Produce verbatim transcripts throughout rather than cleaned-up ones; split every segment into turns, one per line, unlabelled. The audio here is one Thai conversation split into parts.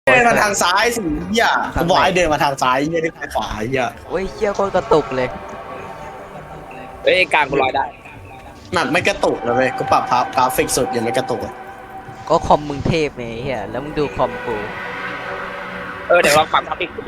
เดินมาทางซ้ายสิเหี้ยกูบอกให้เดินมาทางซ้ายเหี้ยที่ทางขวาเหี้ย
โอ้ยเชี่ยโคตรกระตุกเลย
เอ้ยกลางกูลอยได้
หนักไม่กระตุกเลยเว้ยกูปรับภาพกราฟิกสุดยังไม่กระตุกเลย
ก็คอมมึงเทพไงไอ้เฮียแล้วมึงดูคอมกู
เออเดี๋ยวลองปรับกราฟิกดูดิ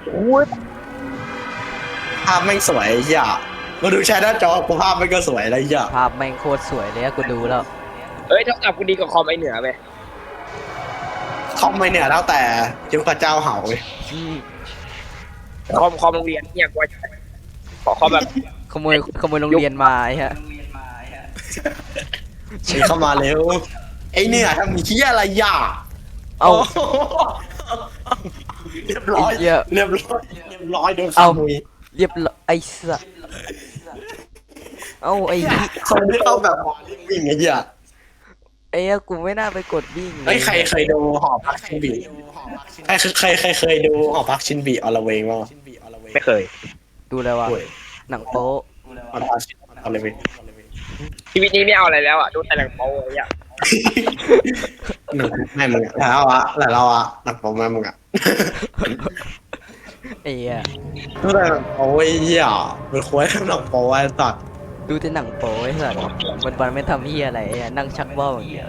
ภาพแม่งสวยเหี้ยมาดูแชร์หน้าจอกูภาพแม่งก็สวยอะไรเหี้ย
ภาพแม่งโคตรสวยเลยอะกูดูแล้ว
เอ้ยโทรศัพท์กูดีกว่าคอมไอเหนือไป
คอมไม่เนี่ยแล้วแต่ยุคพระเจ้าเห่าเว้ย
อืม
คอมคอมโรงเรียนเนี่ยกูว่าจะขอคอมแบบ
ขโมยขโมยโรงเรียนมาไอ้เฮีย
ฉีเข้ามาเร็วไอเนี่ยทำมีขี้ยอะไรอย่า
เอา
เรียบร้อย
ไอ้เหี้ย
เรียบร้อยเรียบร้อยโดนข
เอา
โมย
เรียบร้อยไอ้สัสเอาไอ้เหี้ย
คนที่เข้าแบบวิ่งไอ้เหี้ย
ไอ้เหี้ยกูไม่น่าไปกดวิ่ง
ไอ้ยใครเคยดูหอพักชินบีใครใครใครเคยดูหอพักชินบีอลเวงบ้าง
ไม่เคย
ดูแล้ววะ
โอ้ย
หนังโป๊ะ
หอพักชินอลเวง
ชีวิตนี้ไม่เอาอะไรแล้วอ่ะดูแต่หนังโป๊อะไรอ่ะ
หนังแม่มึงอะแล้วอะแล้วเราอะหนังโป๊แม่มึงอะ
ไอ้เหี้ย
ดูแต่หนังโป๊ไอ้เหี้ยมันควรหนังโป๊ไอ้สัตว์
ดูแต่หนังโป๊ไอ้สัสวันวันๆไม่ทำเหี้ยอะไรไอ้เหี้ยนั่งชักว่าวอย่างเงี้ย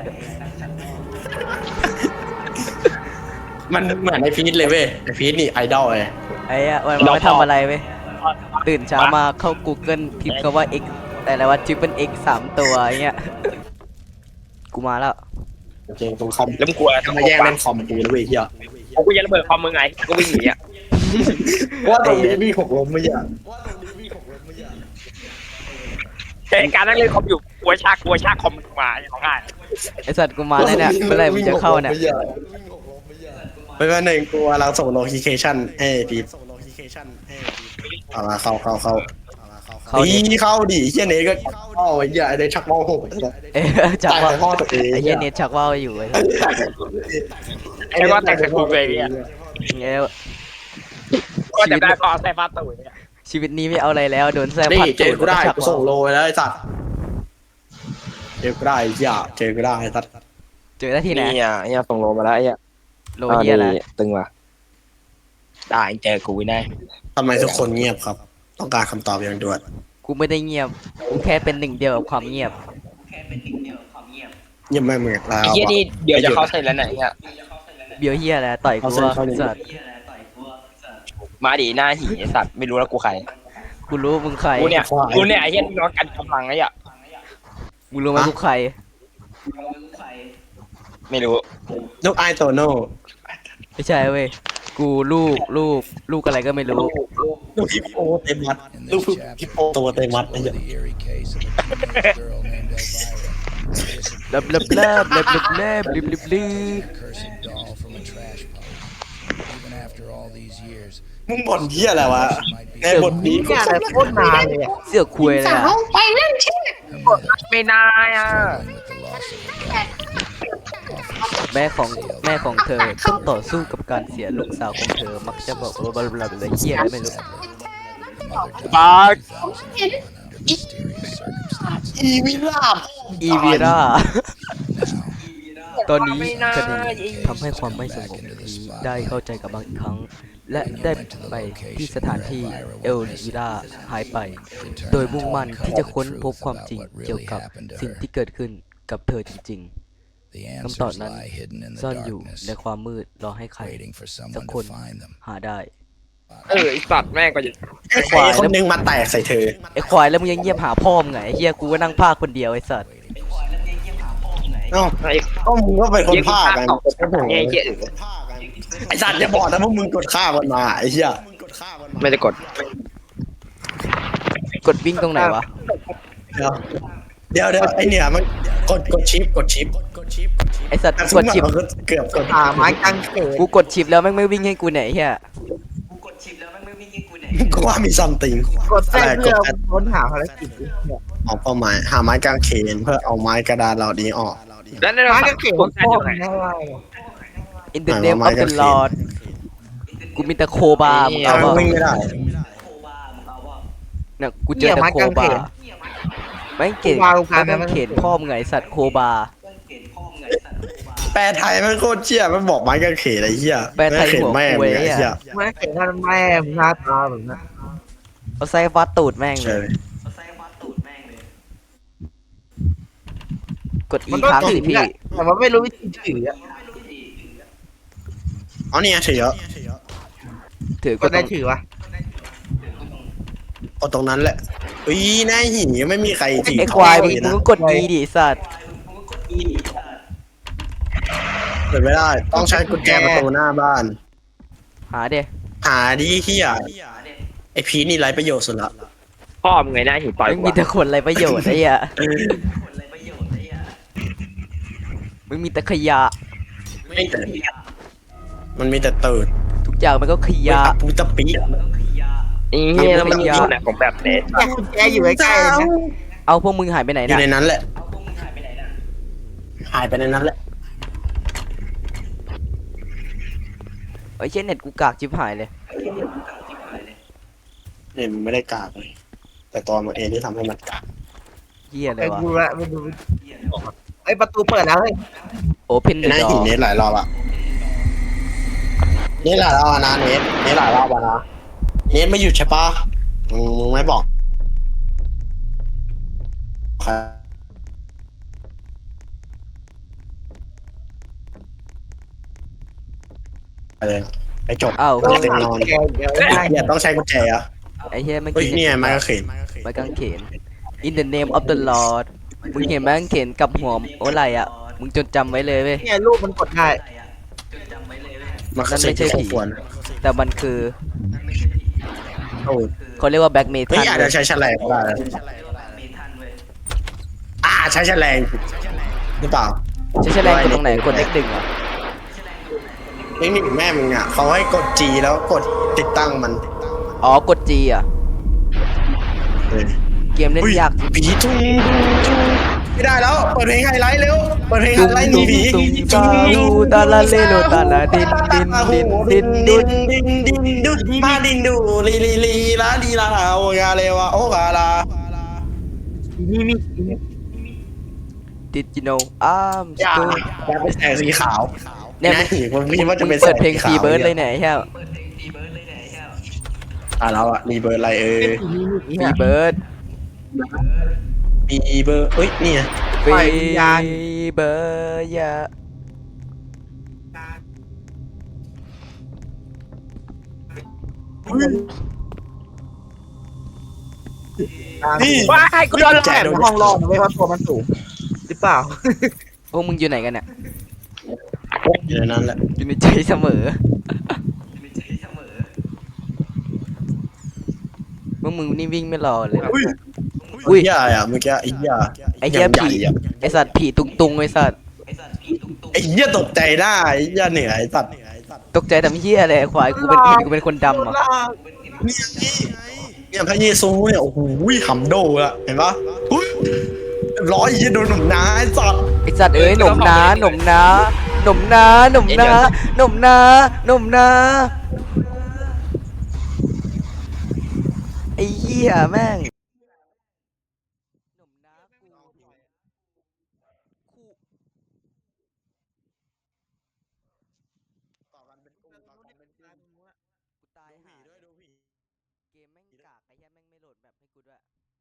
มันเหมือนไอพีทเลยเว้ยไอพีทนี่ไอดอลเลย
ไอ้เหี้ยวันวันๆไม่ทำอะไรเว้ยตื่นเช้ามาเข้า Google พิมพ์คำว่า x แต่ละวัน triple x สามตัวไอ้เงี้ยกูมาแล้ว
จริงๆตรงคอม
แล้วมึงกลัวอะไร
จะมาแย่งเล่นคอมกูเลยเว้ยเหี้ย
กูจะระเบิดคอมมึงไงกูวิ่งหนีอ่ะ
ว่าตรงนี้มีหกล้มไม่ใช่
แต่การนั่งเล่นคอมอยู่กลัวชากกลัวชากคอมมาของง่าย
ไอสัตว์กูมาแล้วเนี่ยเมื่อไหร่มึงจะเข้าเนี่ย
ไม่เป็นหนึ่งกูกำลังส่งโลเคชั่นให้พีทเอามาเข้าเข้าเข้า
เข้าดิ
ดีเข้าดิเฮียเนก็เข้าไอ้เหี้ยไอ้เนชักมองหก
เอ้ยชัก
จ่าย
ว่าว
พ่อตัวเอง
ไอ้เหี้ยเน็ตชักว่าวอยู่ไอ้สัตว์
ไอ้ว่าแต่งสกุลเลยเนี่ย
เงี้ย
ก็แต่ได้พอใส่ฟ้าตุ๋ยเนี่ย
ชีวิตนี้ไม่เอาอะไรแล้วโดนแซ่บ
นี่
พัด
เจอกูได้
ชัก
กู
ว่า
ส่ง
ว
โลไปแล้วไอ้สัตว์เจอกูได้อย่าเจอกูได้ไอ้สัตว์
เจอได้ที่ไหน
นี่อ่ะเนี่ยส่งโลมาแล้วไอ้อ่ะ
โลเหี้ยอะไร
ตึงว่ะได้เจอกูแน่
ทำไมทุกคนเงียบครับ ต้องการคำตอบอย่างด่วน
กูไม่ได้เงียบกูแค่เป็นหนึ่งเดียวกับความเงียบ
เงียบแม่งเหมือนแล้ว
ไอ้เหี้ยนี่เดี๋ยวจะเข้าเส้นแล้วไหนเนี่ย
เบียวเหี้ยอะไรต่อยกูว่าสัตว์
มาดิหน้าหีไอ้สัตว์ไม่รู้แล้วกูใคร
กูรู้มึงใคร
กูเนี่ยกูเนี่ยไอ้เหี้ยนี่น้องกันกำลังไอ้อ่ะ
มึงรู้ไหมกูใคร
ไม่รู้
ลูกไอโตโน่
ไม่ใช่เว้ยกูลูกลูกลูกอะไรก็ไม่รู้
ลูกฮิปโปเตมัสลูกฮิปโปตัวเตมัสไอ้เหี้ย
The eerie case of a girl named Elvira,
เลิบเลิบเลิบเลิบเลิบเลิบลิบลิบลิ
a cursed doll from a trash pile. Even after all these years,
มึงบ่นเหี้ยอะไรวะในบทนี้
เนี่ยอะไรโคตรนานเลยอ่ะ
เสือกคุยเลยอะ
her
ไม่นานอ่ะ
struggling with the loss of her daughter.
แม่ของแม่ของเธอต้องต่อสู้กับการเสียลูกสาวของเธอมักจะบอกว่าบลาบลาบลาเหี้ยอะไรไม่รู้
The mother
บา
died
ร์
in two thousand one under mysterious circumstances.
อีวิลาบ
อีวีรา
Now,
ตอนนี้คดีทำให้ความไม่สงบนี้ได้เข้าใจกับบางอีกครั้ง และได้ไปที่สถานที่เอลวีราหายไป โดยมุ่งมั่นที่จะค้นพบความจริงเกี่ยวกับสิ่งที่เกิดขึ้นกับเธอจริง
the
ๆคำตอบ
answers
นั้น
lie hidden in
ซ่อน
the
อยู่
darkness,
ในความมืดรอให้ใคร
waiting for
สัก
someone
คน
to find them.
หาได้
เออไอ้สัตว์แม่งก็จะ
ไอ้ควายคนนึงมาแตกใส่เธอ
ไอ้ควายแล้วมึงยังเงียบหาพ่อมึงไงไอ้เฮียกูก็นั่งพากคนเดียวไอ้สัตว์
เอ้า
ไอ้
ก็มึงก็เป็นคนภาคกัน
ไอ้เหี้ยอื่น
ไอ้สัตว์อย่าบอกนะพวกมึงกดฆ่ามันมาไอ้เหี้ย
ไม่ได้กด
กดวิ่งตรงไหนวะ
เดี๋ยวเดี๋ยวเดี๋ยวไอ้เนี่ยมันกดกดชิปกดชิปกดชิป
ไอ้สัตว์
แต่
ก
สม
ด
มติ
ชิป
มันก็เกือบกด
อ่าไม้กางเขน
กูกดชิปแล้วแม่งไม่วิ่งให้กูไหนยไอ้เฮีย
กูว่ามีซัมติง
กดแท้เพื่อค้นหาภารกิจ
ออกเป้าหมายหาไม้กางเขนเพื่อเอาไม้กระดานเหล่านี้ออก
แล้วในไม้กางเขนคนแท้อยู่ไหน
อินเตอร์เน็ตออฟเดอะลอดกูมีแต่โคบาร์มึง
เอา
เอา
มัน
วะ
วิ่งไม่ได้
เนี่ยกูเจอแต่โคบาร์แม่งเก่งแม่งเข็นพ่อมึงไงสัตว์โคบาร์
ไแปลไทยมันโคตรเชี่ยมันบอกไม้กางเขนไอ้เหี้ย
แปลไทย
ม้กางเขน
หัว
แม่ง
ควย
ไอ้
อะ
เหี้ย
ไม่เห็นท่านแม่มึงหน้าตาแบบนั้น
เอาไส้ฟัดตูดแม่งเล
ใช่
ย
เลย
กดอี
มันก็
ค้าง
ถื
สิ
อ
พี่
อะแต่มันไม่รู้วิธีถืออะ
เอาเนี่ยถือเยอะ
ถือก
ก็
ดต
ได้
รง
ถือวะ
เอาตรงนั้นแหละอุ้ยหน้าหินไม่มีใครถือ
ไอ้ควายมึง
เลย
มึง
นะ
ก็กดอีดิสัตว์
เปิดไม่ได้ ต้องใช้กุญแจประตูหน้าบ้าน
หาเด้
หาดีเหี้ยไอพีนี่ไรประโยชน์สุดละ
พ่อมึงไงหน้าหินต่อย
มึง
กู
มีแต่
อะ
คนไรประโยชน์ไอ้เหี้ยมึงมีแต่ขยะ
ไม่แต่มันมีแต่ตื่น
ทุกอย่างมันก็ข
ไม่
ยะ
ตะปูตะปี
นี่เหี้ยแล้วมัน
มัน
มี
ยาว
หนักของแบบเน็ต
เนี่ยกุญแจอยู่ใกล้ๆเลยนะ
เอาพวกมึงหายไปไหน
อยู่
น่ะ
ในนั้นแหละ หายไปในนั้นแหละ
ไอ้เช่นเน็ตกูกากจิบหายเลย
เนี่ยมันไม่ได้กากเลย แต่ตอนมันเองที่ทำให้มันกาก
เหี้ยเล
ไอ้
ยวะ
ดูละไม่ดูไอ้ยประตูเปิดแล้วเฮ้ย
โอเพน
เป็น
เด
หน้า
อ
หิน
ร์
เนสหลายรอบอะเนสหลายรอบอะนะเนสเนสหลายรอบอะนะเนสไม่หยุดใช่ปะมึงมึงไม่บอกใครไปเลยไปจบ
อ้าว
ต้อง
เต็ม
หาน
อน
กุญแจเดี๋ยวได้
อย่าต้องใช้กุญแจอะ
ไอ้เหี้ยมัน
เฮ้ย
กิน
เนี่ยไม้กางเขน
ไม้กางเขน In the name of the Lord มึงเห็นไม้กางเขนกับหัวโอ้ไรอ่ะ มึงจดจำไว้เลยเว้ย
เนี่ยรูปมันกดได้
มันคือสิ่งที่ควร
แต่มันคือ
โอ้ย
เขาเรียกว่าแบ็กเม
เฮ้
ทั
ย
ล
อาจจะใช้แฉลงก็ได้นะอ่าใช้แฉลงหรือเปล่า
ใช้แฉลงกดตรงไหนกดเลขหนึ่งเหรอ
เทคนิคแม่มึงอ่ะเขาให้กด G แล้วกดติดตั้งมัน
อ๋อกด G อ่ะ
เออ
เกมเล่นยากจริง
ผีทุ่งไม่ได้แล้วเปิดเพลงไฮไลท์เร็วเปิดเพลงไฮ
ตุ้ม
ไลท์หนี
ตุ้ม
ผี
ตุ้มตาลูตาลาเลโลตาลาดินดินดินดิน
ดิ
ดุ
นดินดินดุมาดินดูลีลีลีลาดีลาโอกาเลวะโอกาลา
นี่มี
ดิจิโนอาร์ม
อย่า
สตู
อย่าเป็นแสงสีขาว
เนี่ย
นะผีมันคิดว่าจะ
มึ
เป็น
งเปิดเพลงฟรีเบิร์ดเลยเนี่ยแค่
อ่ะแล้วอ่ะมีเบอร์อะไรเออ
ฟรีเบิร์ด
มีเบอร์เอ้ยนี่ไง
ฟรีเบิร์ดยา
นี่
ว้ายกูโดนหลอก
แจ
แต่
โดน
ห้องรอดนะไม่เพราะตัวมันสูงหรือเปล่า
พวกมึงอยู่ไหนกันเนี่ย
อยู่ในนั้นแหละ
อยู่ในใจเสมอพวกมึงนี่วิ่งไม่รอเลย
อุ้ย
อุ้ย
เหี้ยอ่ะเมื่อกี้ไอ้เหี้ย
ไอ้เหี้ย
างใหญ่
ผี
อ่ะ
ไอ้สัตว์ผีตุงตุงไอ้สัตว์
ไอ้เหี้ยตกใจได้ไอ้เหี้ยเหนื่อยไอ้สัตว์
ตกใจทำเหี้ยอะไรควายกูเป็นเห็นกูเป็นคนดำเหรอ่ะ
เนี่ยเนี่ยพระเยซูเนี่ยโอ้โหหำโดอะเห็นปะอุ้ยร้อยยี่โดนหนุ่มน้าไอ้สัตว์
ไอ้สัตว์เอ้ยหนมนาหนมนาหนมนาหนมนาหนมนาหนมนาไอ้เหี้ยแม่งหนมนากู กูตายหาเกมแม่งกากไอ้เหี้ยแม่งไม่โหลดแบบให้กูด้วย